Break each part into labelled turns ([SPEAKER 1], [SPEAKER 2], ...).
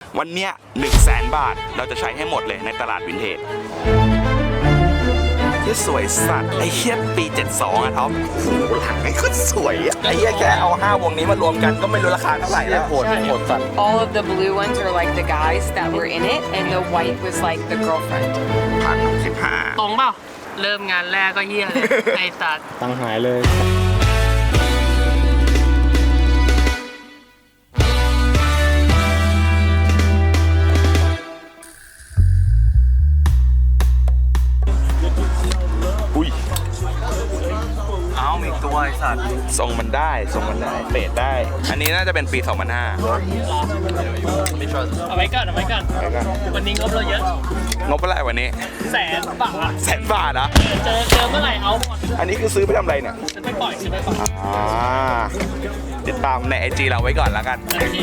[SPEAKER 1] วันเนี้ย100,000 บาทเราจะใช้ให้หมดเลยในตลาดวินเทจที่สวยสัตว์ไอ้เหี้ยปี72อะท็อปโอ้โหหลังไอ้คนสวยอะไอ้เหี้ยแค่เอา5 วงนี้มารวมกันก็ไม่รู้ราคาเท่าไหร่แล้วโหดสัตว์
[SPEAKER 2] All of the blue ones are like the guys that were in it, and the white was like the girlfriend.
[SPEAKER 1] 1,015
[SPEAKER 3] ตรงเปล่าเริ่มงานแรกก็เฮี้ยเลย ไอ้ตัด
[SPEAKER 4] ตังหายเลย
[SPEAKER 1] อุ้ย
[SPEAKER 4] เอาอีกตัวไอ้สัตว์
[SPEAKER 1] ทรงมันได้เฟดได้ อันนี้น่าจะเป็นปี 2005
[SPEAKER 3] เอาไว้ก่อนวันนี้งบเราเยอะ
[SPEAKER 1] งบเท่าไหร่วันนี้
[SPEAKER 3] 100,000 บาท
[SPEAKER 1] 100,000 บาทนะ
[SPEAKER 3] เจอเมื่อไหร่เอาหมด
[SPEAKER 1] อันนี้คือซื้อไปทำอะไรเนี่ย
[SPEAKER 3] จะไม่ปล่อย
[SPEAKER 1] ติดตามใน IG เราไว้ก่อนแล้วกัน
[SPEAKER 3] โอเค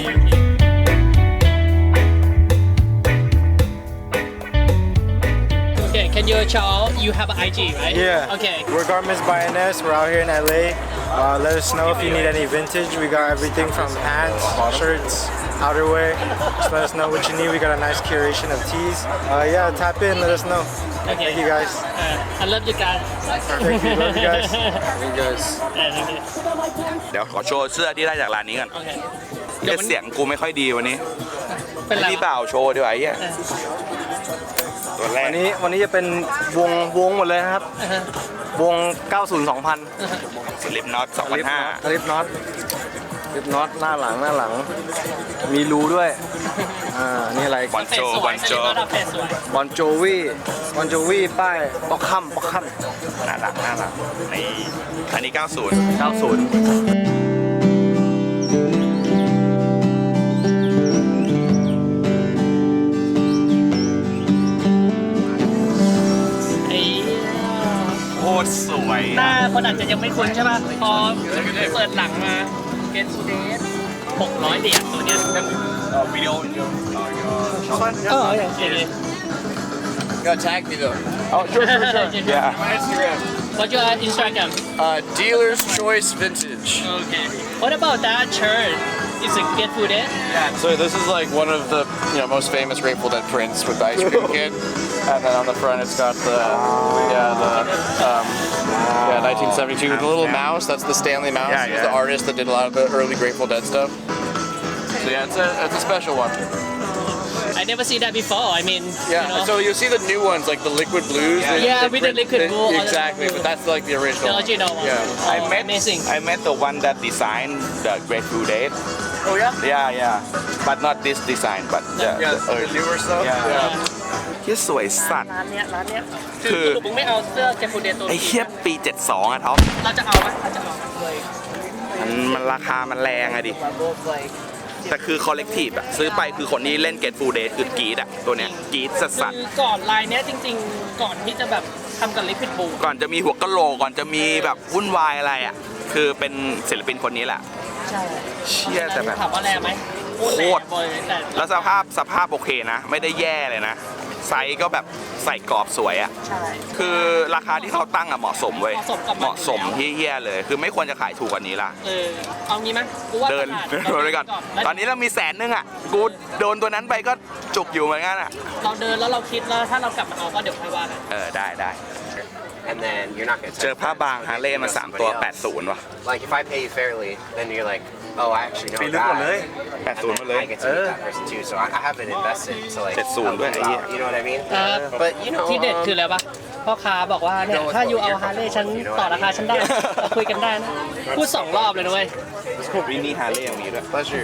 [SPEAKER 3] Okay, can you show you have an IG, right?
[SPEAKER 4] Yeah.
[SPEAKER 3] Okay.
[SPEAKER 4] We're Garments by NS. We're out here in LA. Let us know if you need any vintage. We got everything from pants, shirts, outerwear. Just let us know what you need. We got a nice curation of tees. Yeah, tap in. Let us know.
[SPEAKER 3] Okay.
[SPEAKER 4] Thank you guys.
[SPEAKER 3] I love you guys.
[SPEAKER 4] Thank you. Love you guys. Love you guys.
[SPEAKER 3] Okay.
[SPEAKER 1] เดี๋ยวขอโชว์เสื้อที่ได้จากร้านนี้ก่อน
[SPEAKER 3] Okay.
[SPEAKER 1] เหี้ยเสียงกูไม่ค่อยดีวันนี้
[SPEAKER 3] เป็นไร
[SPEAKER 1] พี่เปล่าโชว์ดีกว่าไอ้เหี้ยตัวแรก
[SPEAKER 4] วันนี้จะเป็นวงหมดเลยนะครับ วง 90 2000
[SPEAKER 1] สลิปน็อต 2005
[SPEAKER 4] ลิปน็อตหน้าหลัง มีรูด้วย นี่อะไร
[SPEAKER 1] บอลโจ
[SPEAKER 3] สวยสวย
[SPEAKER 4] บอนโจวี่ป้ายป๊อกคัม
[SPEAKER 1] น่ารักนี่อันนี้ 90
[SPEAKER 4] 90
[SPEAKER 3] ไอ้
[SPEAKER 1] โคตรสวย
[SPEAKER 3] หน้าคนอาจจะยังไม่คุ้นใช่ป่ะ พอเปิดหลังมาเกนซูเดส600 เหรียญตัวเนี้ย
[SPEAKER 1] วิดีโอ
[SPEAKER 3] อย่างเงี้ย
[SPEAKER 5] Go tag me though.
[SPEAKER 1] Oh sure yeah
[SPEAKER 5] My Instagram.
[SPEAKER 3] What's your Instagram?
[SPEAKER 5] Dealer's Choice Vintage.
[SPEAKER 3] Okay. What about that shirt? Is it Get Fooded?
[SPEAKER 5] So this is like one of the most famous Grateful Dead prints with the ice cream kid, and then on the front it's got the 1972 the little mouse. That's the Stanley Mouse.
[SPEAKER 1] Yeah,
[SPEAKER 5] He's
[SPEAKER 1] yeah.
[SPEAKER 5] the artist that did a lot of the early Grateful Dead stuff. So yeah, it's a special one.
[SPEAKER 3] I never see that before. I mean,
[SPEAKER 5] Yeah. So you'll see the new ones like the liquid blues.
[SPEAKER 3] Yeah, with the liquid blue, all the
[SPEAKER 5] Exactly,
[SPEAKER 3] blue.
[SPEAKER 5] but that's like the original.
[SPEAKER 3] the original one.
[SPEAKER 5] Yeah.
[SPEAKER 3] Oh, amazing.
[SPEAKER 1] I met the one that designed the Grateful Dead
[SPEAKER 5] Oh yeah.
[SPEAKER 1] yeah but not this design but
[SPEAKER 5] Yeah, the newer stuff.
[SPEAKER 1] Yeah. ที่สวยสัตว์
[SPEAKER 3] ร้านเนี้ย
[SPEAKER 1] คื
[SPEAKER 3] คือ อสรุปมึงไม่เอาเสื้อ Get Fooded ตัว
[SPEAKER 1] ไอ้
[SPEAKER 3] นี้
[SPEAKER 1] เหี้ยปี 72อะท็อป
[SPEAKER 3] เราจะเอาไหมเราจะเอา
[SPEAKER 1] มันราคามันแรงอะดิ แต่คือคอลเลกทีฟอะซื้อไปคือคนที่เล่น Get Full Day คือกรีดอะตัวเนี้ยกรีดสัส
[SPEAKER 3] คือก่อนลายเนี้ยจริงๆ ก่อนที่จะแบบทำกับลิควิดบู
[SPEAKER 1] ๆก่อนจะมีหัวกะโหลกก่อนจะมีแบบวุ่นวายอะไรอะคือเป็นศิลปินคนนี้แหละ
[SPEAKER 3] ใช่
[SPEAKER 1] เชี่ยแต่แบบ
[SPEAKER 3] ถามว่าแรงไหม
[SPEAKER 1] โคตร
[SPEAKER 3] แรงแต่
[SPEAKER 1] แล้วสภาพโอเคนะ ไม่ได้แย่เลยนะ ไซส์ก็แบบใส่กรอบสวยอะ
[SPEAKER 3] ใช่
[SPEAKER 1] คือราคาที่เขาตั้งอะเหมาะสมเว้ย
[SPEAKER 3] เหมาะสมกับมัน
[SPEAKER 1] เหมาะสมที่เฮี้ยเลย คือไม่ควรจะขายถูกกว่านี้ละ
[SPEAKER 3] เอางี้ไหมกูว่า
[SPEAKER 1] เดิน
[SPEAKER 3] ตลา
[SPEAKER 1] เดินไปก่อน
[SPEAKER 3] แล้ว
[SPEAKER 1] ตอนนี้เรามี100,000อะกูโดนตัวนั้นไปก็จุกอยู่เหมือนกันอะ
[SPEAKER 3] เราเดินแล้วเราคิดแล้วถ้าเรากลับมาเอาก็เดี๋ยวค่อยว่ากัน
[SPEAKER 1] ได้
[SPEAKER 5] And then you're not gonna.
[SPEAKER 1] เจอผ้าบางฮาร์เลย์มา3 ตัว 80 ว่ะ
[SPEAKER 5] Like if I pay you fairly, then you're like, oh, I actually know a
[SPEAKER 4] ลึกหมดเลย
[SPEAKER 5] guy.
[SPEAKER 1] 80 มาเลย
[SPEAKER 5] I get to meet that person too, so I haven't invested to like
[SPEAKER 1] 70 ด้วยไอ้เหี้ย
[SPEAKER 5] you know what I mean?
[SPEAKER 3] แต่
[SPEAKER 5] But you know,
[SPEAKER 3] ที่เด็ดคืออะไรปะพ่อค้าบอกว่าเนี่ยถ้าอยู่เอาฮาร์เลย์ฉันต่อราคาฉันได้เราคุยกันได้นะพูด2 รอบเลยนะเว้ย
[SPEAKER 1] วินนี่ฮาร์เลย์อย่างนี้ด้วย
[SPEAKER 5] pleasure.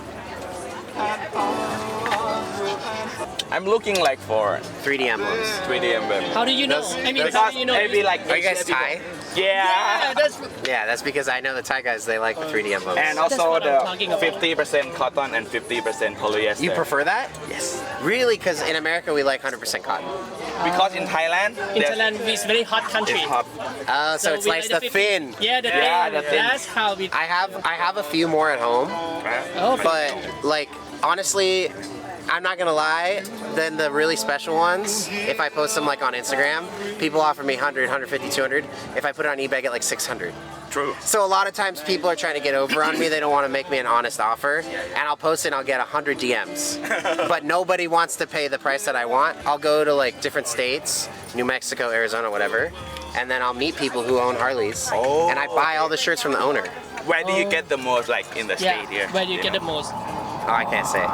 [SPEAKER 1] I'm looking like for
[SPEAKER 5] 3D emblems.
[SPEAKER 1] 3D emblem
[SPEAKER 3] How do you know I mean how do you know
[SPEAKER 1] maybe like
[SPEAKER 5] Are you guys Thai?
[SPEAKER 1] yeah
[SPEAKER 5] Yeah, that's because I know the Thai guys. They like the 3D emblems.
[SPEAKER 1] and also
[SPEAKER 3] what
[SPEAKER 1] the
[SPEAKER 3] I'm talking about.
[SPEAKER 1] 50% cotton and 50% polyester
[SPEAKER 5] You prefer that?
[SPEAKER 1] yes
[SPEAKER 5] Really? Because in America we like 100% cotton.
[SPEAKER 1] because in Thailand
[SPEAKER 3] in
[SPEAKER 1] there's-
[SPEAKER 3] Thailand is very hot country
[SPEAKER 1] it's hot
[SPEAKER 5] So it's
[SPEAKER 3] we
[SPEAKER 5] like
[SPEAKER 3] like
[SPEAKER 5] the thin.
[SPEAKER 3] yeah the
[SPEAKER 1] Yeah,
[SPEAKER 3] thin
[SPEAKER 1] the thin.
[SPEAKER 3] that's how we
[SPEAKER 5] I have a few more at home,
[SPEAKER 3] oh
[SPEAKER 5] but like honestly,
[SPEAKER 6] I'm not gonna lie, then the really special ones, if I post them like on Instagram, people offer me 100, 150, 200. If I put it on eBay, I get like 600.
[SPEAKER 1] True.
[SPEAKER 6] So a lot of times people are trying to get over on me. They don't want to make me an honest offer, and I'll post it and I'll get 100 DMs. But nobody wants to pay the price that I want. I'll go to like different states, New Mexico, Arizona, whatever, and then I'll meet people who own Harleys,
[SPEAKER 1] Oh.
[SPEAKER 6] and I buy all the shirts from the owner.
[SPEAKER 1] Where do you get the most like in the state here?
[SPEAKER 3] Where you get the most
[SPEAKER 6] Oh, I can't say.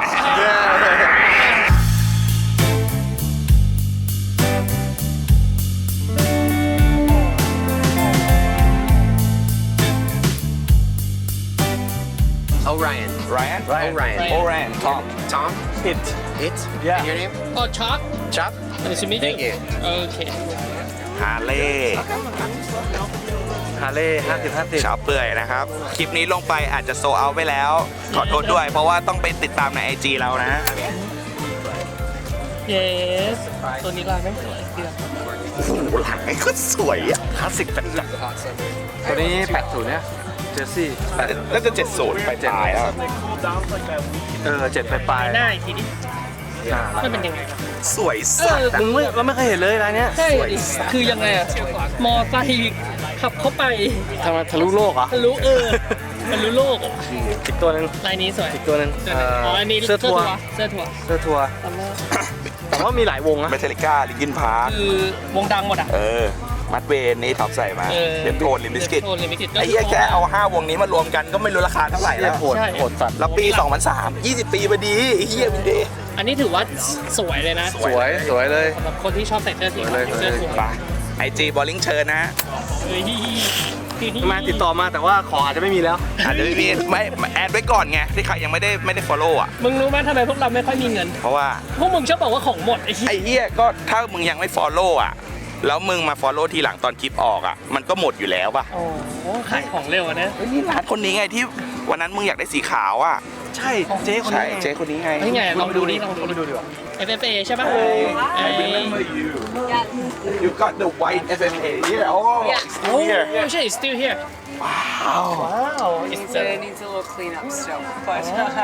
[SPEAKER 6] Orion.
[SPEAKER 1] Ryan?
[SPEAKER 6] Orion.
[SPEAKER 1] Orion. Tom.
[SPEAKER 6] Tom?
[SPEAKER 4] It.
[SPEAKER 6] It?
[SPEAKER 4] Yeah.
[SPEAKER 6] And your name?
[SPEAKER 3] อ๋อช็อป
[SPEAKER 6] Chop?
[SPEAKER 3] Nice to meet
[SPEAKER 6] Thank you.
[SPEAKER 3] โอเค
[SPEAKER 1] ฮาเล่
[SPEAKER 4] ฮาเล่50
[SPEAKER 1] ชาวเปื่อยนะครับ คลิปนี้ลงไปอาจจะโซเอาไปแล้ว ขอโทษด้วย เพราะว่าต้องไปติดตามใน IG เรานะ
[SPEAKER 3] yes ตัวนี้ลายไม่สวยดีอ่ะ
[SPEAKER 1] โอ้โหหลังไอ้ก็สวยอ่ะ
[SPEAKER 4] คลาสสิกเป็นจัดตัวนี้80เนี่ยเจสซี่
[SPEAKER 1] น่าจะ70ไปปลายแล้ว
[SPEAKER 4] 7ปลาย
[SPEAKER 3] หน้าอีกทีนี้มันเป็นยังไง
[SPEAKER 1] สวย
[SPEAKER 3] เอ
[SPEAKER 1] สัส
[SPEAKER 3] อ
[SPEAKER 4] มึงไม่เคยเห็นเลยร้านเนี้ย
[SPEAKER 3] ใช่คือยังไงอะมอไซค์ขับเข้าไป
[SPEAKER 4] ทำไมทะลุโลกเหรอ
[SPEAKER 3] ทะลุมันรู้โลกอะ
[SPEAKER 4] อีกตัวหนึง
[SPEAKER 3] ลายนี้สวย
[SPEAKER 4] อีกตัวหนึง
[SPEAKER 3] อ๋ออันนี้
[SPEAKER 4] เสื้อทัวร์
[SPEAKER 3] เสื้อทัวร์
[SPEAKER 4] เสื้อทัวร์แต่ว่ามีหลายวงนะ
[SPEAKER 1] เมทัลลิก้าลิกินพาร์ค
[SPEAKER 3] คือวงดังหมดอ่ะ
[SPEAKER 1] มัดเวนนี่ท็อปใส่มาเดมโทนลิมบิสกิต
[SPEAKER 3] โทนลิมบิสกิต
[SPEAKER 1] ไอ้เหี้ยแค่เอา 5 วงนี้มารวมกันก็ไม่รู้ราคาเท่าไหร่แล้ว
[SPEAKER 4] โหดโหดสัตว์
[SPEAKER 1] แล้วปี 2003 20 ปีพอดีไอ้เหี้ยวินเดย์
[SPEAKER 3] อันนี้ถือว่าสวยเลยนะ
[SPEAKER 4] สวยเลย
[SPEAKER 3] สำหรับคนที่ชอบใส่เสื้อสี
[SPEAKER 4] สวยเลย
[SPEAKER 3] เสื้อทัวร์
[SPEAKER 1] ไปไอจีบอลลิงเชิญนะ
[SPEAKER 3] เฮ้ย
[SPEAKER 4] มาติดต่อมาแต่ว่าของอาจจะไม่มีแล้ว
[SPEAKER 1] อาจจะไม่แอดไว้ก่อนไง ที่ใครยังไม่ได้ follow อ่ะ
[SPEAKER 3] มึงรู้ไหมทำไมพวกเราไม่ค่อยมีเงิน
[SPEAKER 1] เพราะว่า
[SPEAKER 3] พวกมึงชอบบอกว่าของหมดไอ้เหี้ย
[SPEAKER 1] ไอ้เหี้ยก็ถ้ามึงยังไม่ follow อ่ะ แล้วมึงมา follow ทีหลังตอนคลิปออกอ่ะ มันก็หมดอยู่แล้วป่ะ
[SPEAKER 3] โอ้โหขายของเร็วอะนะ
[SPEAKER 1] เฮ้ยนี่ร้านคนนี้ไงที่วันนั้นมึงอยากได้สีขาวอ่ะ
[SPEAKER 4] ใช่เจ๊คน
[SPEAKER 1] ใช่
[SPEAKER 4] นี้
[SPEAKER 1] เจ๊คนนี้ไง
[SPEAKER 3] เฮ้ยไงลองดูดิลอง
[SPEAKER 4] เข้าไป
[SPEAKER 3] ดู
[SPEAKER 4] ดูดีกว่า
[SPEAKER 3] FFA ใช่ป่ะ
[SPEAKER 1] I remember you. You got the white FFA here. Oh, it's still
[SPEAKER 3] โอ้
[SPEAKER 1] here.
[SPEAKER 3] ใช่ still here
[SPEAKER 1] Wow.
[SPEAKER 2] It needs a little cleanup still, but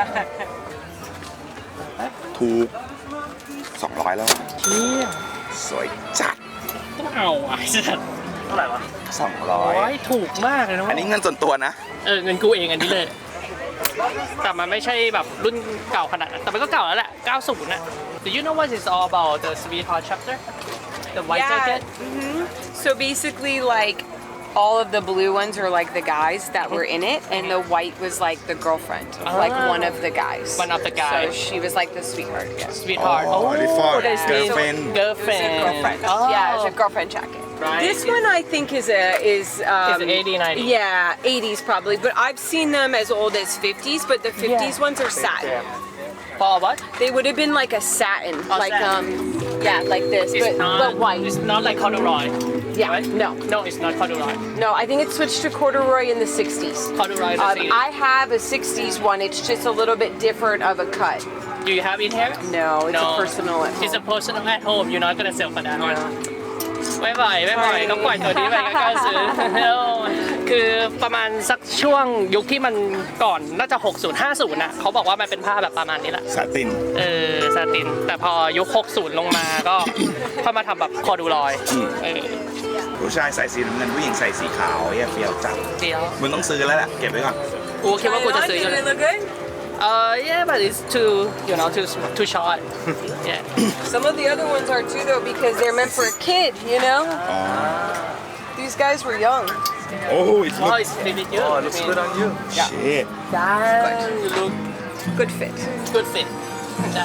[SPEAKER 1] ถูก200 แล้ว
[SPEAKER 3] เชี่ย
[SPEAKER 1] สวยจัด
[SPEAKER 3] ต้องเอาอ่ะสัตว์
[SPEAKER 4] เท่าไหร่วะ
[SPEAKER 1] 200
[SPEAKER 3] ถูกมากเลยนะ
[SPEAKER 1] อันนี้เงินส่วนตัวนะ
[SPEAKER 3] เงินกูเองอันนี้เลย แต่มันไม่ใช่แบบรุ่นเก่าขนาดนั้นแต่มันก็เก่าแล้วแหละ 90 น่ะ Do you know what it's all about the Sweetheart chapter the white jacket
[SPEAKER 2] so basically like all of the blue ones are like the guys that were in it, and the white was like the girlfriend, like one of the guys.
[SPEAKER 3] One of the guys.
[SPEAKER 2] So she was like the sweetheart. Yes.
[SPEAKER 3] Sweetheart
[SPEAKER 1] Oh, they fought.
[SPEAKER 3] this means
[SPEAKER 1] Girlfriend.
[SPEAKER 2] It was a girlfriend.
[SPEAKER 3] Oh.
[SPEAKER 2] Yeah, it was a girlfriend jacket.
[SPEAKER 3] Right.
[SPEAKER 2] This one I think is
[SPEAKER 3] Is 80, 90.
[SPEAKER 2] Yeah, 80s probably, but I've seen them as old as 50s, but the 50s ones are satin.
[SPEAKER 3] for what
[SPEAKER 2] They would have been like a satin,
[SPEAKER 3] Oh,
[SPEAKER 2] like
[SPEAKER 3] satin.
[SPEAKER 2] yeah, like this, but white.
[SPEAKER 3] It's not like corduroy
[SPEAKER 2] Yeah,
[SPEAKER 3] right? No it's not corduroy
[SPEAKER 2] no, I think it switched to corduroy in the 60s.
[SPEAKER 3] corduroy is the
[SPEAKER 2] I have a 60s one. It's just a little bit different of a cut.
[SPEAKER 3] Do you have it here
[SPEAKER 2] No, it's a personal at
[SPEAKER 3] It's a
[SPEAKER 2] home.
[SPEAKER 3] personal at home you're not gonna sell for that one ไม่ไหวต้องปล่อยตัวนี้ไปก็กล้าซื้อ คือประมาณสักช่วงยุคที่มันก่อนน่าจะ 60 50น่ะเขาบอกว่ามันเป็นผ้าแบบประมาณนี้แหละ
[SPEAKER 1] สาติน
[SPEAKER 3] ซาติน แต่พอยุค 60 ลงมาก็เข้ามาทำแบบคอดูลอย
[SPEAKER 1] ผู้ชายใส่สีน้ำเงินผู้หญิงใส่สีขาวเหี้ยเฟี้ยวจัด
[SPEAKER 3] เดียว
[SPEAKER 1] มึงต้องซื้อแล้วแหละ เก็บไว้ก่อน
[SPEAKER 3] กูคิดว่ากูจะซื้ออยู่
[SPEAKER 2] Did
[SPEAKER 3] เล
[SPEAKER 2] it
[SPEAKER 3] ย
[SPEAKER 2] look good?
[SPEAKER 3] Yeah but it's too too short yeah
[SPEAKER 2] Some of the other ones are too though because they're meant for a kid, you know? These guys were young.
[SPEAKER 1] Oh it's
[SPEAKER 3] oh it's really good
[SPEAKER 4] Oh, it looks good on you.
[SPEAKER 1] shit
[SPEAKER 3] you look
[SPEAKER 2] Good fit.
[SPEAKER 3] good fit ใช่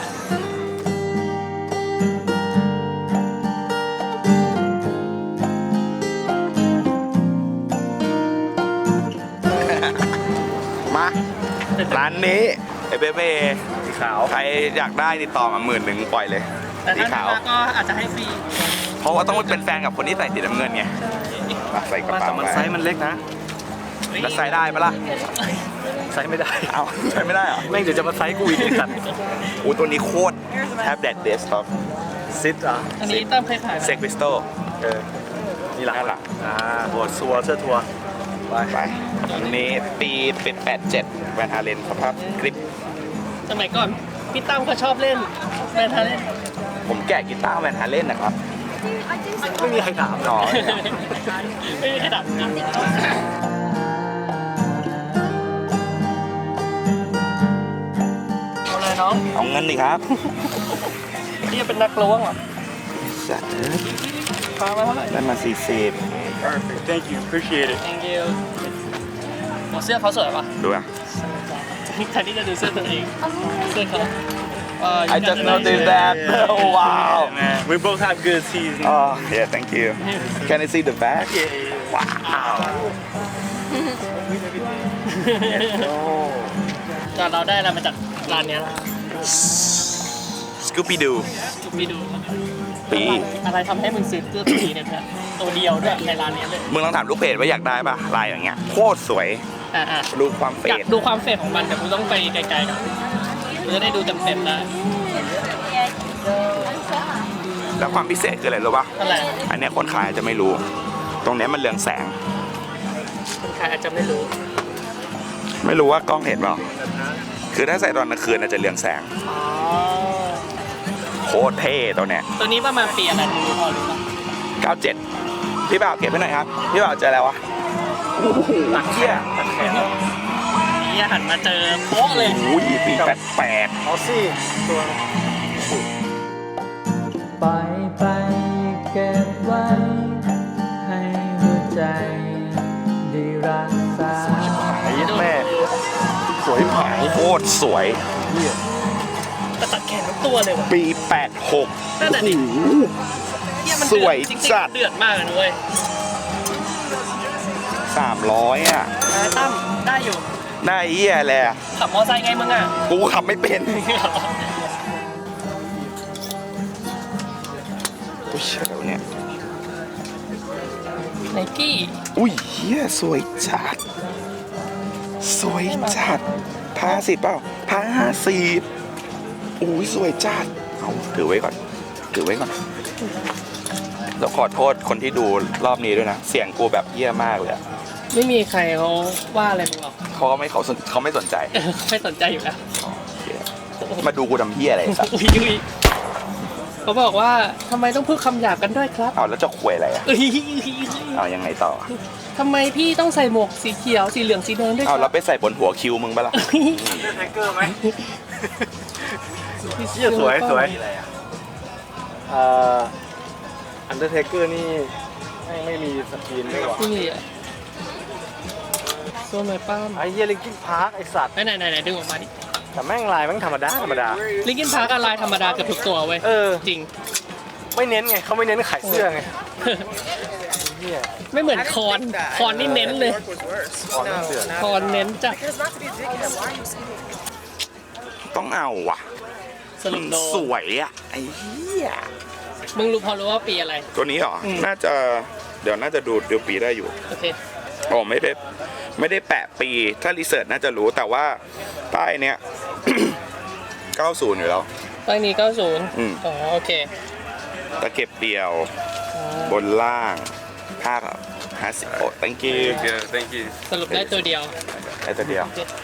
[SPEAKER 1] มาร้านนี้ไอเบเบ้
[SPEAKER 4] สีขาว
[SPEAKER 1] ใครอยากได้ติดต่อมา10,000ปล่อยเลย
[SPEAKER 3] แต่
[SPEAKER 1] สี
[SPEAKER 3] ถ้า
[SPEAKER 1] ขาว
[SPEAKER 3] มาก็อาจจะให้ฟรี
[SPEAKER 1] เพราะว่าต้องเป็นแฟนกับคนที่ใส่สีน้ำเงินไงมาใส่กระ
[SPEAKER 4] มา
[SPEAKER 1] เป๋า
[SPEAKER 4] แต่มันไซส์มันเล็กนะ
[SPEAKER 1] แล้วใส่ได้ปะล่ะ
[SPEAKER 4] ไซส์ไม่ได้
[SPEAKER 1] เอาใส่ไม่ได้เหรอ
[SPEAKER 4] แม่งเดี๋ยวจะมาไซส์กูอีกไอ้สัตว์
[SPEAKER 1] โอ้ตัวนี้โคตรแทบแดดเดสท็อป
[SPEAKER 4] ซิดอ่ะ
[SPEAKER 3] อันนี้ตั้มเคยขายไหม
[SPEAKER 1] เซ็กพิสโต
[SPEAKER 4] นี่หลัง
[SPEAKER 1] นั่นหลัง
[SPEAKER 4] หัวซัวเสื้อทัวร์ไป
[SPEAKER 1] ไปอันนี้ปีเป็น87แวนฮาเลนสภาพกริป
[SPEAKER 3] สมัยก่อนพี่ตั้มเขาชอบเล่นแมนฮาเล่น
[SPEAKER 1] ผมแกะกีตาร์แวนฮาเล่นนะครับ
[SPEAKER 4] ไม่มีใครถาม
[SPEAKER 1] อ๋อ
[SPEAKER 3] ไม่มีขนาดนั้น เอาเลยน้อง
[SPEAKER 1] เอาเงินดิครับ
[SPEAKER 3] นี่เป็นนักล้วงเหรอ
[SPEAKER 1] สัตว์
[SPEAKER 3] พามาเท่าไหร่
[SPEAKER 1] ได้มา40
[SPEAKER 4] Perfect thank you appreciate it
[SPEAKER 3] thank you โอ้เสื้อเขาสวยป่ะ
[SPEAKER 1] ดูอ่ะ
[SPEAKER 3] แทนที่จะดูเสื้อตัวเองเสื้อเขา
[SPEAKER 1] I just noticed that oh wow
[SPEAKER 4] man we both have good teas
[SPEAKER 1] oh yeah thank you can I see the back wow
[SPEAKER 3] แต่เราได้อะไรมาจากร้านเนี้ย
[SPEAKER 1] Scooby Doo
[SPEAKER 3] มีดู
[SPEAKER 1] ปี
[SPEAKER 3] อะไรทำให้มึงซื้อเสื้อตัวนี้เนี่ยเพื่อนตัวเดียวด้วยในร้านเนี้ยเลย
[SPEAKER 1] มึงลองถามลูกเพจว่าอยากได้ป่ะลายอย่างเงี้ยโคตรสวย
[SPEAKER 3] อ่า
[SPEAKER 1] ดูความเฟ
[SPEAKER 3] อยาก
[SPEAKER 1] ด
[SPEAKER 3] ดูความเฟดของมันแต่กูต้องไปไกลๆก่อนกูจะได้ดูเต็มๆได้
[SPEAKER 1] แล้วความพิเศษคืออะไรรู้ป่ะ
[SPEAKER 3] อะไร
[SPEAKER 1] อันเนี้ยคนขายอาจจะไม่รู้ ตรงเนี้ยมันเรืองแสง
[SPEAKER 3] คนขายอาจจะไม่รู้
[SPEAKER 1] ไม่รู้ว่ากล้องเห็นเปล่าคือถ้าใส่ตอนกลางคืนอาจจะเรืองแสง
[SPEAKER 3] อ๋อ
[SPEAKER 1] โคตรเท่ตัวเนี้ย
[SPEAKER 3] ตัวนี้ประมาณปีอะไรมึงรู้พอรู้ป่ะ
[SPEAKER 1] 97พี่บ่าวเก็บให้หน่อยครับพี่บ่าวเจออะไรวะโอ้โหเหี้ย
[SPEAKER 3] นี่หันมาเจอโป๊ะเลย
[SPEAKER 1] โอ้ยปี88
[SPEAKER 4] เอาสิตัว
[SPEAKER 7] ปล่อยไปเก็บไว้ ให้หัวใจได้รักษา
[SPEAKER 1] ไอ้แม่สวยผายโคตรสวย
[SPEAKER 3] แต่ตัดแขนทั้งตัวเลยว่ะ
[SPEAKER 1] ปี 86
[SPEAKER 3] นั่นแหละดิเหี้ยมัน
[SPEAKER 1] สวย
[SPEAKER 3] จริง
[SPEAKER 1] จัด
[SPEAKER 3] ๆเดือดมากเลยนะเว้ย
[SPEAKER 1] 300อ่ะ
[SPEAKER 3] ตั้มได้อยู่
[SPEAKER 1] ได้เหี้ยแหละ
[SPEAKER 3] ขับมอไซค์ไงมึงอ่ะ
[SPEAKER 1] กูขับไม่เป็นอุ้ยเชี่ยแล้วเนี่ย
[SPEAKER 3] ไนกี้
[SPEAKER 1] อุ้ยเหี้ยสวยจัด สวยจัดผ้าสิบเปล่าผ้า50อุ้ยสวยจัดเอาถือไว้ก่อนถือไว้ก่อนแล้วขอโทษคนที่ดูรอบนี้ด้วยนะ เสียงกูแบบเหี้ยมากเลยอะ
[SPEAKER 3] ไม่มีใครเขาว่าอะไรมึงหรอก
[SPEAKER 1] เขาก็ไม่เขาไม่สนใจ
[SPEAKER 3] ไม่สนใจอยู่แล้ว
[SPEAKER 1] มาดูกูทำเหี้ยอะไรสัก
[SPEAKER 3] อุ้ยเขาบอกว่าทำไมต้องพูดคำหยาบกันด้วยครับ
[SPEAKER 1] เอาแล้วจะควยอะไรอ่ะ
[SPEAKER 3] เอ้ย
[SPEAKER 1] เอายังไงต่อ
[SPEAKER 3] ทำไมพี่ต้องใส่หมวกสีเขียวสีเหลืองสีแดงด้วยค
[SPEAKER 1] เอา
[SPEAKER 3] รั
[SPEAKER 1] แล้วไปใส่บนหัวคิวมึงปะล่ะ
[SPEAKER 4] แท็กเกอร์ไหมเชี่ยสวยสวยอันเดอร์เทเกอร์นี่ไม่มีสกรีนด้วยวะ
[SPEAKER 3] นี่อ่ะโซนไหนป้าม
[SPEAKER 4] ไอ้เหี้ยลิงกิ้งพาร์คไอ้สัตว์
[SPEAKER 3] ไหนดึงออกมาดิ
[SPEAKER 4] แต่แม่งลายแม่งธรรมดา
[SPEAKER 3] ลิงกินพาร์กลายธรรมดาเกือบทุกตัวเว้ย
[SPEAKER 4] เออ
[SPEAKER 3] จริง
[SPEAKER 4] ไม่เน้นไงเขาไม่เน้นขายเสื้อไงเหี้ย
[SPEAKER 3] ไม่เหมือนคอนนี่เน้นเลย
[SPEAKER 4] ขอเสื้อ
[SPEAKER 3] คอนเน้นจ้ะ
[SPEAKER 1] ต้องเอาว่ะ
[SPEAKER 3] สรุปโด
[SPEAKER 1] สวยอ่ะไอ้เหี้ย
[SPEAKER 3] มึงรู้พอรู้ว่าปีอะไร
[SPEAKER 1] ตัวนี้เหรอ น่าจะเดี๋ยวน่าจะดูปีได้อยู่
[SPEAKER 3] โอเค
[SPEAKER 1] โอ้ไม่ได้แปะปีถ้ารีเสิร์ชน่าจะรู้แต่ว่าป้ายเนี้ย 90 อยู่แล้ว
[SPEAKER 3] ป้ายนี้ 90
[SPEAKER 1] อืม
[SPEAKER 3] อ๋อโอเค
[SPEAKER 1] ตะเก็บเดียวบนล่างผ้าครับ50โอ้ thank you thank you
[SPEAKER 3] สรุปได้ตัวเดียว
[SPEAKER 1] ไอ้ตัวเดียว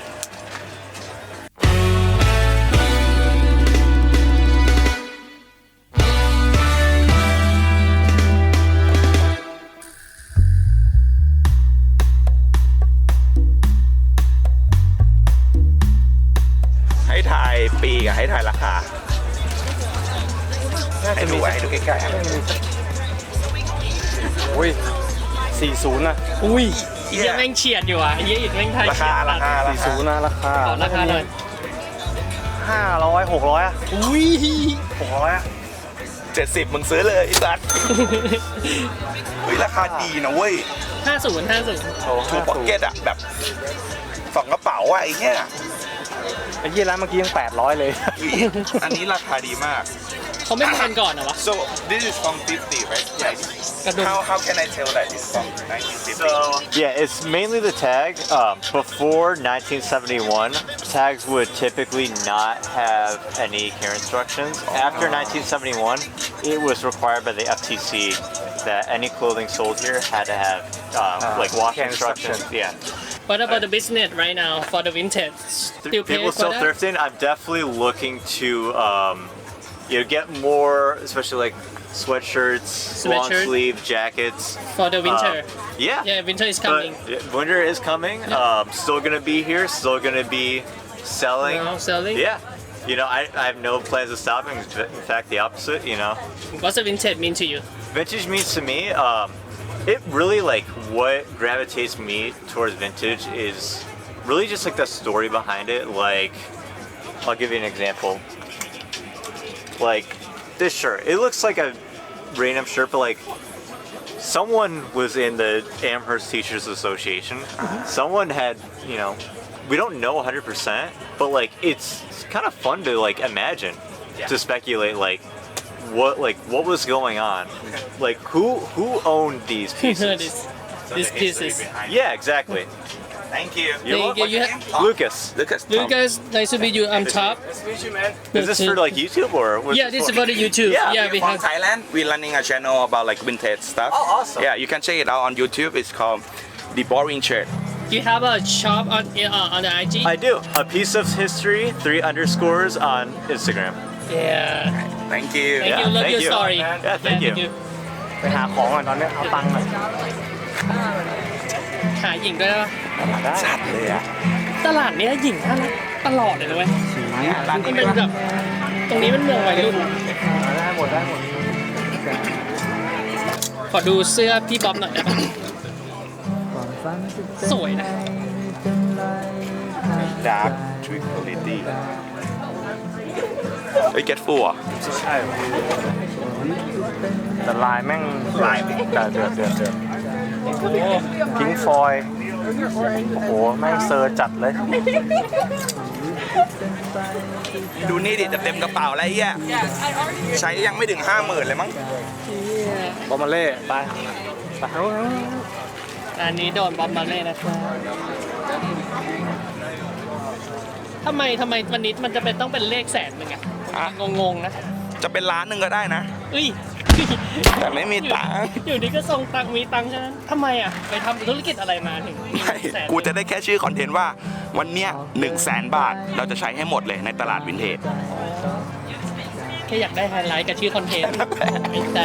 [SPEAKER 1] ให้ทายปีกับให้ทายราคา ให้ดูใกล้ๆครับ
[SPEAKER 4] โอ้ย40นะ
[SPEAKER 3] อุ้ยเยี่ยแม่งเฉียดอยู่อ่ะเยี่ยอิดแม่งไทย
[SPEAKER 1] ราคา
[SPEAKER 4] 40นะราคา
[SPEAKER 3] ขอราคาหน่อย
[SPEAKER 4] 500 600อ่ะ
[SPEAKER 3] อุ้ย
[SPEAKER 4] 600อ่ะ
[SPEAKER 1] 70มึงซื้อเลยไอ้สัตว์เฮ้ยราคาดีนะเว้ย
[SPEAKER 3] 50
[SPEAKER 4] โอ้
[SPEAKER 1] ทูพ็อกเก็ตอะแบบสองกระเป๋าอะไอ้เนี่ย
[SPEAKER 4] ไอ้เหี้ยร้านเมื่อกี้ยัง800เลย
[SPEAKER 1] อันนี้ราคาดีมาก
[SPEAKER 3] เขาไม่แพงก่อนเหรอวะ
[SPEAKER 1] so this is from 50 right like
[SPEAKER 3] กระดุม
[SPEAKER 1] how can I tell that it's from 1950
[SPEAKER 8] Yeah, it's mainly the tag. Before 1971, tags would typically not have any care instructions. After 1971, it was required by the FTC that any clothing sold here had to have like wash
[SPEAKER 4] care
[SPEAKER 8] instructions.
[SPEAKER 4] instructions.
[SPEAKER 8] Yeah.
[SPEAKER 3] What about the business right now for the vintage? Still pay
[SPEAKER 8] People
[SPEAKER 3] for
[SPEAKER 8] still
[SPEAKER 3] that?
[SPEAKER 8] thrifting. I'm definitely looking to, get more, especially like sweatshirts, long
[SPEAKER 3] Sweatshirt.
[SPEAKER 8] sleeve jackets.
[SPEAKER 3] For the winter.
[SPEAKER 8] Yeah.
[SPEAKER 3] Yeah, winter is
[SPEAKER 8] But,
[SPEAKER 3] coming.
[SPEAKER 8] winter is coming. Still gonna be here. Still gonna be selling.
[SPEAKER 3] Now selling.
[SPEAKER 8] Yeah. I have no plans of stopping. In fact, the opposite.
[SPEAKER 3] What's the vintage mean to you?
[SPEAKER 8] Vintage means to me, it really like what gravitates me towards vintage is really just like the story behind it. Like, I'll give you an example. Like this shirt, it looks like a random shirt, but like someone was in the Amherst Teachers Association. Someone had, we don't know 100%, but like it's kind of fun to like imagine, to speculate like what was going on, like who owned these pieces.
[SPEAKER 3] These pieces.
[SPEAKER 8] Yeah, exactly.
[SPEAKER 1] Thank you.
[SPEAKER 3] Thank you. You have-
[SPEAKER 8] Lucas.
[SPEAKER 3] Lucas, nice to meet you. I'm Top.
[SPEAKER 8] Is this for like YouTube or? What's
[SPEAKER 3] Yeah, this is for the YouTube.
[SPEAKER 8] Yeah,
[SPEAKER 3] Yeah, we
[SPEAKER 1] From
[SPEAKER 3] have.
[SPEAKER 1] Thailand, we're running a channel about like vintage stuff.
[SPEAKER 8] Oh, awesome.
[SPEAKER 1] Yeah, you can check it out on YouTube. It's called The Boring Shirt.
[SPEAKER 3] You have a shop on the IG.
[SPEAKER 8] I do. A piece of history, 3 underscores on Instagram.
[SPEAKER 3] Yeah.
[SPEAKER 1] Thank you.
[SPEAKER 3] Thank
[SPEAKER 8] Yeah,
[SPEAKER 3] you. Love
[SPEAKER 8] thank
[SPEAKER 3] your
[SPEAKER 8] you.
[SPEAKER 3] story.
[SPEAKER 8] Yeah, thank you.
[SPEAKER 4] ไปหาของก่อนตอนเนี้ยเอาตังค์มา
[SPEAKER 3] หาหญิงด้วยนะ
[SPEAKER 1] จัดเลยอะ
[SPEAKER 3] ตลาดเนี้ยหญิงน่ารักตลอดเลยนะเว้ย
[SPEAKER 1] ร้าน
[SPEAKER 3] มัน
[SPEAKER 1] นี้
[SPEAKER 3] เป็นแบบตรงนี้มันเมืองวัยรุ่น
[SPEAKER 4] ได้หมด
[SPEAKER 3] ขอดูเสื้อพี่บ๊อบหน่อยได้ปะ
[SPEAKER 7] ความฝันจะเป็น
[SPEAKER 3] สวยนะ
[SPEAKER 7] ไม่เป็นไรหาก
[SPEAKER 1] ดาร์กทริคอลิตี้เฮ้ย get full อ่ะ
[SPEAKER 4] ใช่แต่ลายแม่งลายแต่เดือดพิงฟอยโอ้โหแม่งเซอร์จัดเลย
[SPEAKER 1] ดูนี่ดิจะเต็มกระเป๋าแล้วไอ้เหี้ยใช้ยังไม่ถึง 50,000 เลยมั้ง
[SPEAKER 4] บอมมาเล่ไป
[SPEAKER 3] อันนี้โดนบ๊อบมาเล่นะครับทำไมวันนี้มันจะเป็นต้องเป็นเลขแสนหนึ่งอะงงๆนะ
[SPEAKER 1] จะเป็นล้านหนึ่งก็ได้นะ
[SPEAKER 3] เอ้ย
[SPEAKER 1] แต่ไม่มีตังค์
[SPEAKER 3] อยู่ดีก็ส่งตังค์มีตังค์ใช่ไหมทำไมอ่ะไปทำธุรกิจอะไรมาถึงมี
[SPEAKER 1] ไม่
[SPEAKER 3] แสน
[SPEAKER 1] กูจะได้แค่ชื่อคอนเทนต์ว่าวันเนี้ย100,000 บาทเราจะใช้ให้หมดเลยในตลาดวินเทจ
[SPEAKER 3] แค่อยากได้ไฮไลท์กับชื่อคอนเทนต์ไม่แต่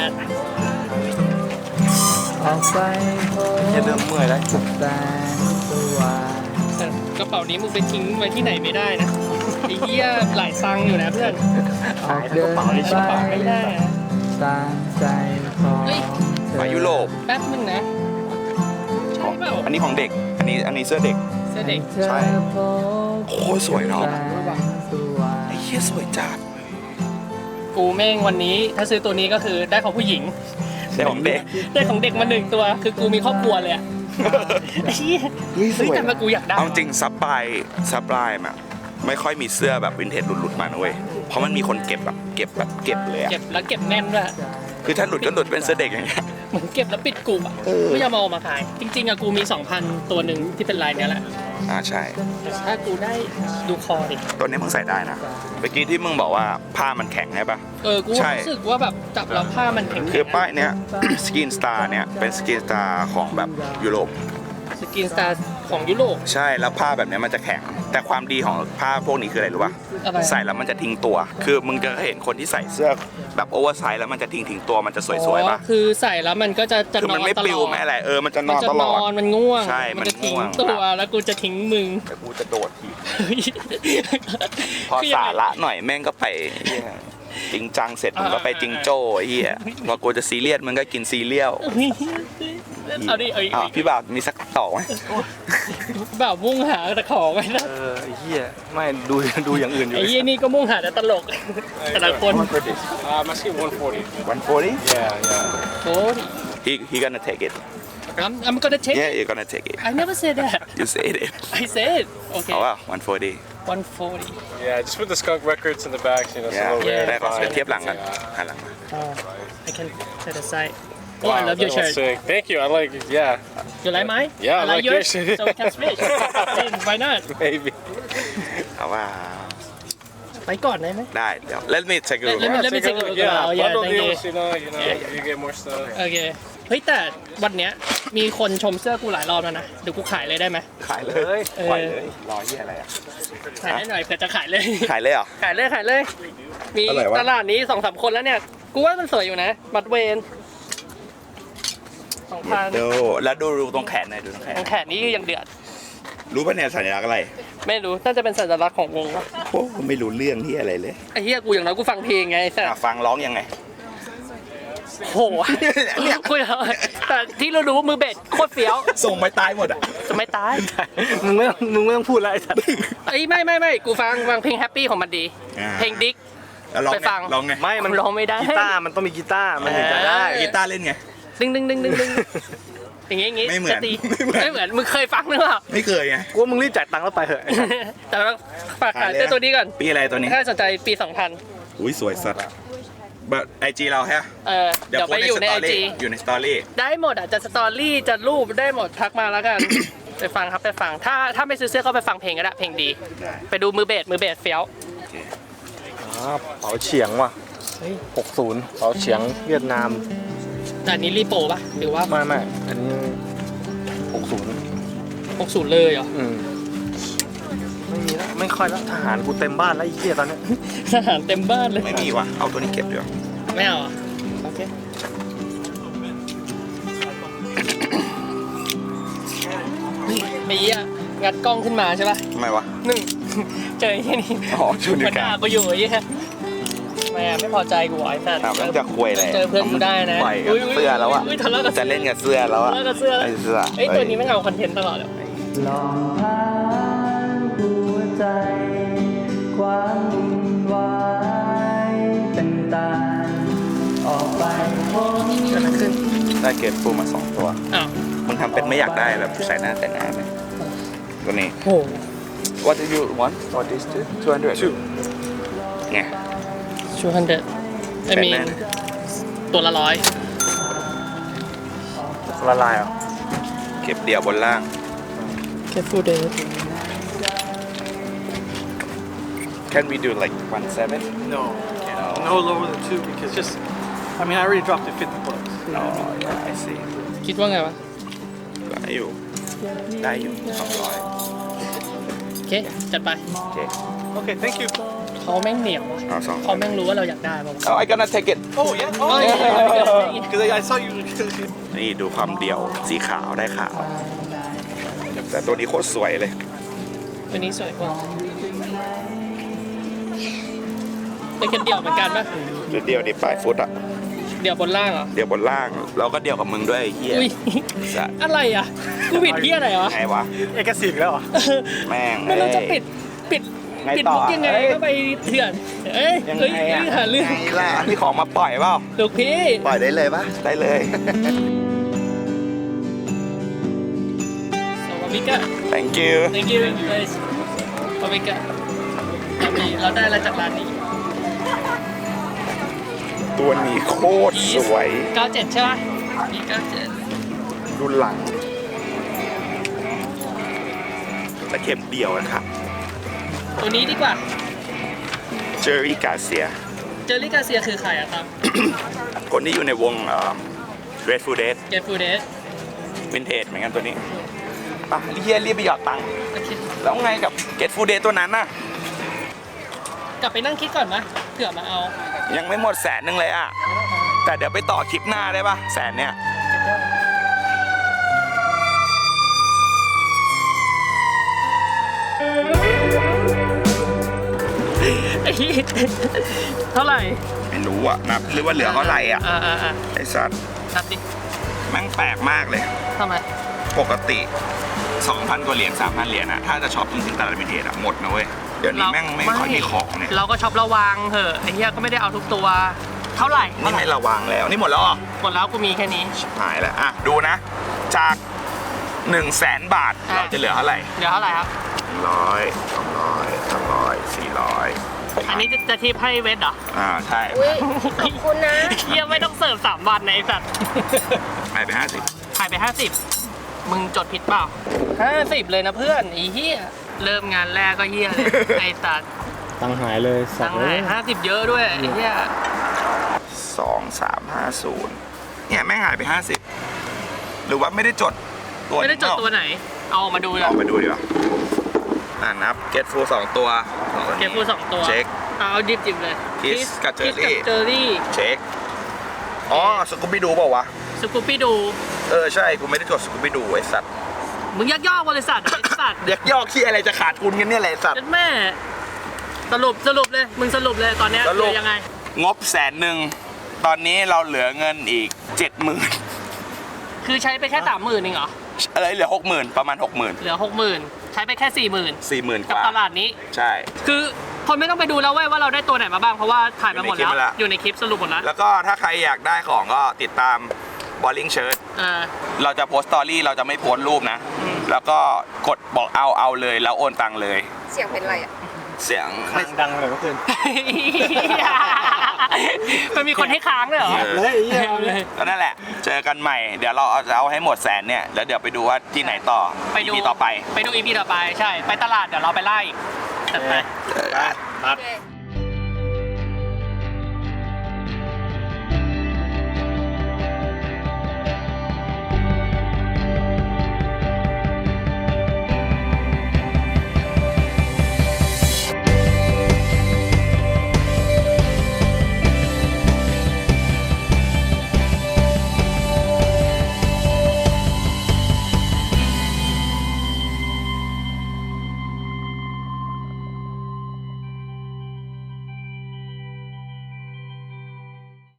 [SPEAKER 7] ออกไปพบ
[SPEAKER 1] จะเริ่มเมื่อยแล้ว
[SPEAKER 7] แสงสว่าง
[SPEAKER 3] แต่กระเป๋านี้มึงไปทิ้งไว้ที่ไหนไม่ได้นะไอ้เหี้ยหลายตังค์อยู่นะเพื่อน
[SPEAKER 7] ออกเดินไป
[SPEAKER 3] กระเป๋าไม่ได้นะ
[SPEAKER 7] ตามใจของเธอ
[SPEAKER 1] ไปยุโรป
[SPEAKER 3] แป๊บนึงนะใช่เปล่า
[SPEAKER 1] อันนี้ของเด็ก อันนี้เสื้อเด็ก
[SPEAKER 3] เสื้อเด็ก
[SPEAKER 1] ใช่
[SPEAKER 7] พบ
[SPEAKER 1] โคตรสวยเนาะ
[SPEAKER 7] แสงสว่าง
[SPEAKER 1] ไอ้เหี้ยสวยจัด
[SPEAKER 3] กูแม่งวันนี้ถ้าซื้อตัวนี้ก็คือได้ของผู้หญิง
[SPEAKER 1] ได้ของเด็ก
[SPEAKER 3] ได้ของเด็กมาหนึ่งตัว คือกูมีครอบครัวเลยอะไอ้เหี้ย
[SPEAKER 1] เฮ้ยสวย
[SPEAKER 3] แต่มากูอยากได้
[SPEAKER 1] เอาจริงซับไลน์อะไม่ค่อยมีเสื้อแบบวินเทจหลุดๆมานะเว้ย เพราะมันมีคนเก็บเลยอะ
[SPEAKER 3] เก็บแล้วเก็บแน่นด้วย
[SPEAKER 1] คือถ้าหลุดก็หลุดเป็นเสื้อเด็กอย่างเงี้ย
[SPEAKER 3] เหมือนเก็บแล้วปิดกลุ่มอ่ะไม่ยอมเอามาขาย จริงๆอะกูมี 2,000 ตัวหนึ่งที่เป็นลายเนี้ยแหละ
[SPEAKER 1] ใช่
[SPEAKER 3] แต่ถ้ากูได้ดูคอดิ
[SPEAKER 1] ตัวนี้มึงใส่ได้นะ เมื่อกี้ที่มึงบอกว่าผ้ามันแข็งใช่ปะ
[SPEAKER 3] กู
[SPEAKER 1] ใช่
[SPEAKER 3] รู้สึกว่าแบบจับแล้วผ้ามันแข็งๆ
[SPEAKER 1] คือป้ายเนี้ย สกินสตาร์เนี่ยเป็นสกินสตาร์ของแบบยุโรป
[SPEAKER 3] สกินสตาร์ของยุโรป
[SPEAKER 1] ใช่แล้วผ้าแบบเนี้ยมันจะแข็ง แต่ความดีของผ้าพวกนี้คืออะไรรู้ป่ะ
[SPEAKER 3] อะไร
[SPEAKER 1] ใส่แล้วมันจะทิ้งตัว คือมึงจะเห็นคนที่ใส่เสื้อแบบโอเวอร์ไซส์แล้วมันจะทิ้งตัวมันจะสวยๆป่ะ
[SPEAKER 3] คือใส่แล้วมันก็จะ
[SPEAKER 1] คือ
[SPEAKER 3] นอ
[SPEAKER 1] มัน
[SPEAKER 3] น
[SPEAKER 1] ไม่
[SPEAKER 3] ต
[SPEAKER 1] ปลิ
[SPEAKER 3] ล
[SPEAKER 1] ว
[SPEAKER 3] อด
[SPEAKER 1] ไม่อะไรมันจะน
[SPEAKER 3] มั
[SPEAKER 1] อน
[SPEAKER 3] จะ
[SPEAKER 1] ตล
[SPEAKER 3] น
[SPEAKER 1] อด
[SPEAKER 3] อนมันง่วง
[SPEAKER 1] ใช่มัน
[SPEAKER 3] จะทิ้ง
[SPEAKER 1] ง่วง
[SPEAKER 3] ตัวแล้วกูจะทิ้งมึง
[SPEAKER 1] แต่กูจะโดดทีพอสาระหน่อยแม่งก็ไปเหี้ยจริงจังเสร็จมึงก็ไปจิงโจ้ไอ้เหี้ยพอกูจะซีเรียสมึงก็กินซีเรียล
[SPEAKER 3] เอาดิเอา
[SPEAKER 1] อ้าวพี่บ่าวมีสักต่อไหม
[SPEAKER 3] แบบมุ่งหาแต่ของไว้นะ
[SPEAKER 4] ไอ้เหี้ยไม่ดูอย่างอื่นอยู่
[SPEAKER 3] ไอ้ยี่นี่ก็มุ่งหาแต่ตลกแต่ละคน
[SPEAKER 4] Let's get 140
[SPEAKER 1] 140
[SPEAKER 4] Yeah.
[SPEAKER 3] โอ้ย
[SPEAKER 1] he gonna take it
[SPEAKER 3] I'm gonna take
[SPEAKER 1] yeah
[SPEAKER 3] it
[SPEAKER 1] you're gonna take it
[SPEAKER 3] I never said that
[SPEAKER 1] you said it
[SPEAKER 3] I said okay
[SPEAKER 1] เอาว่า140
[SPEAKER 3] 140
[SPEAKER 4] Yeah, just put the skunk records in the back, you know, so
[SPEAKER 1] yeah
[SPEAKER 4] they'll wear
[SPEAKER 1] ได้
[SPEAKER 4] it
[SPEAKER 1] ขอ
[SPEAKER 4] fine.
[SPEAKER 1] เทียบหลังกันหันหลังมา
[SPEAKER 3] I can set aside Oh I love your
[SPEAKER 4] that was
[SPEAKER 3] shirt
[SPEAKER 4] sick. Thank you. I like it. Yeah,
[SPEAKER 3] You like mine
[SPEAKER 4] Yeah,
[SPEAKER 3] I
[SPEAKER 4] I like
[SPEAKER 3] yours
[SPEAKER 4] yours.
[SPEAKER 3] so we can switch Why not
[SPEAKER 4] maybe.
[SPEAKER 1] เอาว่า
[SPEAKER 3] ไปก่อนได้ไหม
[SPEAKER 1] ได้เดี๋ยว let me take a look
[SPEAKER 3] Let me take a look
[SPEAKER 4] Yeah,
[SPEAKER 3] around. Yeah,
[SPEAKER 4] bundle
[SPEAKER 3] thank you.
[SPEAKER 4] deals, you know, you get more stuff.
[SPEAKER 3] Okay เฮ้ยแต่วันเนี้ยมีคนชมเสื้อกูหลายรอบแล้วนะเดี๋ยวกูขายเลยได้ไหม
[SPEAKER 1] ขายเลยปล่อยเลยรอเหี้ยอะไรอ่ะ
[SPEAKER 3] ขายให้หน่อยเผื่อจะขายเลย
[SPEAKER 1] ขายเลยเหรอ
[SPEAKER 3] ขายเลย มี
[SPEAKER 1] อะไรวะ
[SPEAKER 3] ตลาดนี้ 2-3 คนแล้วเนี่ย กูว่ามันสวยอยู่นะ บัตรเวน2,000
[SPEAKER 1] ดูแล้วดูตรงแขนหน่อยดูตรงแขน
[SPEAKER 3] ของแขนนี่ยังเดือด
[SPEAKER 1] รู้ป่ะเนี่ยสัญลักษณ์อะไร
[SPEAKER 3] ไม่รู้ น่าจะเป็นสัญลักษณ์ของวงวะ
[SPEAKER 1] โอ้ไม่รู้เรื่องที่อะไรเลย
[SPEAKER 3] ไอ้เหี้ยกูอย่างน้อยกูฟังเพลงไงแต่
[SPEAKER 1] ฟังร้องยังไง
[SPEAKER 3] โหกูอยากแต่ที่เรารู้ว่ามือเบสโคตรเฟี้ยว
[SPEAKER 1] ส่งไปตายหมดอ่ะ
[SPEAKER 3] จะไม่ตาย
[SPEAKER 4] มึงไม่ต้องพูดอะไรสัตว์
[SPEAKER 3] เอ้ยไม่กูฟังเพลงแฮปปี้ของมันดี เพลงดิ๊ก
[SPEAKER 1] แล้วร้อง
[SPEAKER 3] ไป
[SPEAKER 1] ไง
[SPEAKER 3] ฟัง
[SPEAKER 1] ร้องไง
[SPEAKER 4] ไม่มัน
[SPEAKER 3] ร้องไม่ได้
[SPEAKER 4] กีตาร์มันต้องมีกีตาร์มันถึงจะได้
[SPEAKER 1] กีตาร์เล่นไง
[SPEAKER 3] ดึงอย่างงี้
[SPEAKER 1] ไม่เหมือน
[SPEAKER 3] จะตี
[SPEAKER 1] ไม่เหมือน
[SPEAKER 3] มึงเคยฟังหรือเปล่า
[SPEAKER 1] ไม่เคยไง
[SPEAKER 4] กูว่ามึงรีบจ่ายตังค์แล้วไปเถอะ
[SPEAKER 3] แต่ว่าฝากขายเสื้อตัวนี้ก่อน
[SPEAKER 1] ปีอะไรตัวนี้
[SPEAKER 3] ถ้าสนใจปี 2000
[SPEAKER 1] อุ้ยสวยสัตว์แบบไอจีเราแฮะ
[SPEAKER 3] เดี๋ยวไปอยู่ใน IG
[SPEAKER 1] อยู่ในสตอรี่
[SPEAKER 3] ได้หมดอ่ะจะสตอรี่จะรูปได้หมดทักมาแล้วกัน ไปฟังครับไปฟังถ้าไม่ซื้อเสื้อก็ไปฟังเพลงก็ได้เพลงดี ไปดูมือเบสเฟี้ยว
[SPEAKER 4] เป๋าเฉียงว่ะ60เป๋าเฉียงเวียดนาม
[SPEAKER 3] แต่อันนี้รีโปป่ะหรือว่า
[SPEAKER 4] ไม่อันนี้60
[SPEAKER 3] 60เลยเหรอ
[SPEAKER 4] ไม่มีแล้วไม่ค่อยแล้วทหารกูเต็มบ้านแล้วไอ้เหี้ยตอนเนี้ย
[SPEAKER 3] ทหารเต็มบ้านเลย
[SPEAKER 1] ไม่มีว่ะเอาตัวนี้เก็บดีกว่า
[SPEAKER 3] ไม่เอาอ่ะโอเคไอ้เหี้ยงัดกล้องขึ้นมาใช่ป่ะ
[SPEAKER 1] ทำไมวะ
[SPEAKER 3] หนึ่งเจอไอ้เหี้ยนี่
[SPEAKER 1] อ๋อชูนิ้ว
[SPEAKER 3] มัน
[SPEAKER 1] กลาง
[SPEAKER 3] ด่ากูอยู่ไอ้เหี้ยไม่พอใจกูไอ้สัตว์
[SPEAKER 1] แล้วจะคุยเลย
[SPEAKER 3] เจอเพื่อนกูได้นะ
[SPEAKER 1] ปล่อยกับเสื้อแล้วอ่ะ
[SPEAKER 3] ทะเลาะกับ
[SPEAKER 1] จะเล่นกับเสื้อแล้วอ่ะ
[SPEAKER 3] ทะเลาะกับเสื้อ
[SPEAKER 1] ไอเสื้อ
[SPEAKER 3] ไอ้ตัวนี้ไม่เอาคอนเทนต์ตลอดเลย
[SPEAKER 7] ลองพานหัวใจ ความวุ่นวายต่างๆออกไปพ้น
[SPEAKER 1] ได้เกรดฟูมา2ตัว
[SPEAKER 3] อ้าว
[SPEAKER 1] มึงทำเป็นไม่อยากได้แบบใส่หน้าแต่งหน้าไหมตัวนี้
[SPEAKER 3] โห
[SPEAKER 1] What do you want for this 200 ไง
[SPEAKER 3] 200 I mean ตัวละ100
[SPEAKER 4] ละลายเหรอ
[SPEAKER 1] เก็บเดี่ยวบนล่าง
[SPEAKER 3] Careful Dave
[SPEAKER 1] Can we do like 17?
[SPEAKER 9] No, no lower than 2 because just, I mean, I already dropped it 50 bucks.
[SPEAKER 1] No, yeah, I see
[SPEAKER 3] คิดว่าไงวะ
[SPEAKER 1] ได้อยู่ ได้อยู่200
[SPEAKER 3] โอเค จัดไป
[SPEAKER 1] โอเค
[SPEAKER 9] Okay, thank you.
[SPEAKER 3] เขาแม่งเหนียวอะ
[SPEAKER 1] เอา
[SPEAKER 3] เขาแม่งรู้ว่าเราอยากได้ป่าวะ
[SPEAKER 1] Oh, I gonna take it
[SPEAKER 9] Oh, yeah? Oh,
[SPEAKER 3] yeah.
[SPEAKER 9] Because I saw you.
[SPEAKER 1] นี่ดูความเดี่ยวสีขาวได้ขาว แต่ตัวนี้โคตรสวยเลย
[SPEAKER 3] ตัวนี้สวยกว่าเป็นกันเดี่ยวเหมือนกันปะ
[SPEAKER 1] จุดเดียวดิปลายฟุตอะ
[SPEAKER 3] เดี่ยวบนล่างเหรอ
[SPEAKER 1] เดี่ยวบนล่าง แล้วก็เดี่ยวกับมึงด้วยไอ้เฮีย
[SPEAKER 3] อุ้ย
[SPEAKER 1] สัตว์
[SPEAKER 3] อะไรอ่ะ กูผิดเที่ยอะไรวะ
[SPEAKER 1] ไงวะ
[SPEAKER 4] เอกสิทธิ์แล้วเหรอ
[SPEAKER 1] แม่ง
[SPEAKER 3] แล้วเราจะ
[SPEAKER 1] อ้ย
[SPEAKER 3] ปิด
[SPEAKER 1] ไง
[SPEAKER 3] ปิด
[SPEAKER 1] ต่อ
[SPEAKER 3] มุกยังไง
[SPEAKER 1] เอ้ย
[SPEAKER 3] ก็ไปเถื่อน เอ้ย
[SPEAKER 1] ยัง
[SPEAKER 3] เฮ้ย
[SPEAKER 1] ไงอะ
[SPEAKER 3] หาเรื่อง
[SPEAKER 1] ไงล่ะมีของมาปล่อยเปล่า
[SPEAKER 3] ลูกพี่
[SPEAKER 1] ปล่อยได้เลยปะได้เลย
[SPEAKER 3] สวัสดีค่ะ
[SPEAKER 1] Thank you
[SPEAKER 3] thank you guys สวัสดีค่ะเราได้อะไรจากร้านนี้
[SPEAKER 1] ตัวนี้โคตรสวย
[SPEAKER 3] 97ใช่ปะมี97
[SPEAKER 1] ดูหลังตะเข็บเดี่ยวนะครับ
[SPEAKER 3] ตัวนี้ดีกว่า
[SPEAKER 1] เจอรี่กาเซีย
[SPEAKER 3] เจอรี่กาเซียคือใครอะครับ
[SPEAKER 1] คนที่อยู่ในวงRed Food Dead
[SPEAKER 3] Get Food Dead
[SPEAKER 1] วินเทจเหมือนกันตัวนี้ป่ะเฮียรีบไปหยอดตังค์
[SPEAKER 3] โอเค
[SPEAKER 1] แล้วไงกับ Get Food Dead ตัวนั้นน่ะ
[SPEAKER 3] กลับไปนั่งคิดก่อนไหมเผื่อมาเอา
[SPEAKER 1] ยังไม่หมด100,000เลยอ่ะ แต่เดี๋ยวไปต่อคลิปหน้าได้ป่ะ100,000เนี่ย
[SPEAKER 3] เท่าไหร่
[SPEAKER 1] ไม่รู้อ่ะนับหรือว่าเหลือเท่าไหร่อ่ะ ไอ้สัตว์
[SPEAKER 3] นับดิ
[SPEAKER 1] แม่งแปลกมากเลย
[SPEAKER 3] ทำไม
[SPEAKER 1] ปกติ 2,000 กว่าเหรียญ 3,000 เหรียญอะถ้าจะช็อปจริงๆตลาดวินเทจอะหมดนะเว้ย เดี๋ยวนี้แม่งไม่ค่อยมีของเนี่ย
[SPEAKER 3] เราก็ช็อประวังเหอะไอ้เหี้ยก็ไม่ได้เอาทุกตัว เท่าไหร่
[SPEAKER 1] นี่ไม่ระวังแล้ว นี่หมดแล้วเหรอ
[SPEAKER 3] หมดแล้วกูมีแค่นี้
[SPEAKER 1] หายแล้ว อ่ะ ดูนะ จาก 100,000 บาท เราจะเหลือเท่าไหร่
[SPEAKER 3] เดี๋ยวเท่าไหร่ครับ
[SPEAKER 1] 100 200 300 400
[SPEAKER 3] อันนี้จะทิปให้เวทเหรอ
[SPEAKER 1] ใช่
[SPEAKER 3] ขอบคุณนะเหี้ยไม่ต้องเสิร์ฟ3 วันนะไอ้สัตว์
[SPEAKER 1] หายไป
[SPEAKER 3] ขายไป 50 มึงจดผิดเปล่า 50 เลยนะเพื่อนไอ้เหี้ยเริ่มงานแรกก็เหี้ยเลย ไอ้สัตว์
[SPEAKER 4] ตังหายเลยสั
[SPEAKER 3] ตั
[SPEAKER 4] ต
[SPEAKER 3] ง
[SPEAKER 4] ว์
[SPEAKER 3] ค์ไหน50 เยอะด้วยไอ้เหี้ย
[SPEAKER 1] 50 2350 เนี่ยแม่งหายไป50หรือว่าไม่ได้จดตัว
[SPEAKER 3] ไม่ได้จดตัวไหน เอาออกมาดูเลย
[SPEAKER 1] เอาไปดูดีกว่านับเกตฟู2ตัว
[SPEAKER 3] เกมฟู2 ตัว
[SPEAKER 1] เช็ค
[SPEAKER 3] เอาจิบเลย
[SPEAKER 1] Kiss กับ Jerry
[SPEAKER 3] เจอรี่
[SPEAKER 1] เช็คอ๋อสกูบี้ดูเปล่าวะ
[SPEAKER 3] สกูปปี้ดู
[SPEAKER 1] ใช่กูไม่ได้จดสกูบี้ดูไอ้สัตว์
[SPEAKER 3] มึงยักยอกบริษัทไอ้สัตว์
[SPEAKER 1] เด็กยอกที่อะไรจะขาดทุนกันเนี่ยแหละไอ้สัตว์
[SPEAKER 3] ยัดแม่สรุปเลยมึงสรุปเลยตอนเนี้ย
[SPEAKER 1] สรุป
[SPEAKER 3] คือยังไง
[SPEAKER 1] งบ100,000ตอนนี้เราเหลือเงินอีก 70,000
[SPEAKER 3] คือใช้ไปแค่ 30,000เองเหรอ
[SPEAKER 1] อะไรเหลือ 60,000ประมาณ 60,000
[SPEAKER 3] เหลือ 60,000 ใช้ไปแค่ 40,000
[SPEAKER 1] 40,000 ก
[SPEAKER 3] กับ
[SPEAKER 1] ว่า
[SPEAKER 3] ตลาดนี้
[SPEAKER 1] ใช่
[SPEAKER 3] คือคนไม่ต้องไปดูแล้วเว้ยว่าเราได้ตัวไหนมาบ้างเพราะว่าถ่ายมาหมด
[SPEAKER 1] อยู่ในคลิป
[SPEAKER 3] แล้ว
[SPEAKER 1] แล้ว
[SPEAKER 3] อยู่ในคลิปสรุปหมดแล้ว
[SPEAKER 1] แล้วก็ถ้าใครอยากได้ของก็ติดตาม Balling Shirt เราจะโพสต์สตอรี่เราจะไม่โพสต์รูปนะ แล้วก็กดบอกเอาเลยแล้วโอนตังค์เลย
[SPEAKER 2] เสียงเป็นไรอ่ะ
[SPEAKER 1] เสียง
[SPEAKER 4] ดังเลยเมื่อคืน
[SPEAKER 3] มันมีคนให้ค้างด้วยเหรอ
[SPEAKER 1] ก็นั่นแหละ เจอกันใหม่ เดี๋ยวเราจะเอาให้หมดแสนเนี่ย แล้วเดี๋ยวไปดูว่าที่ไหนต่อ
[SPEAKER 3] ไปดู
[SPEAKER 1] EP ต่อไป
[SPEAKER 3] ไปดู EP ต่อไปใช่ ไปตลาดเดี๋ยวเราไปไล่อีกจัดไป
[SPEAKER 1] เจอกัน
[SPEAKER 3] ครับ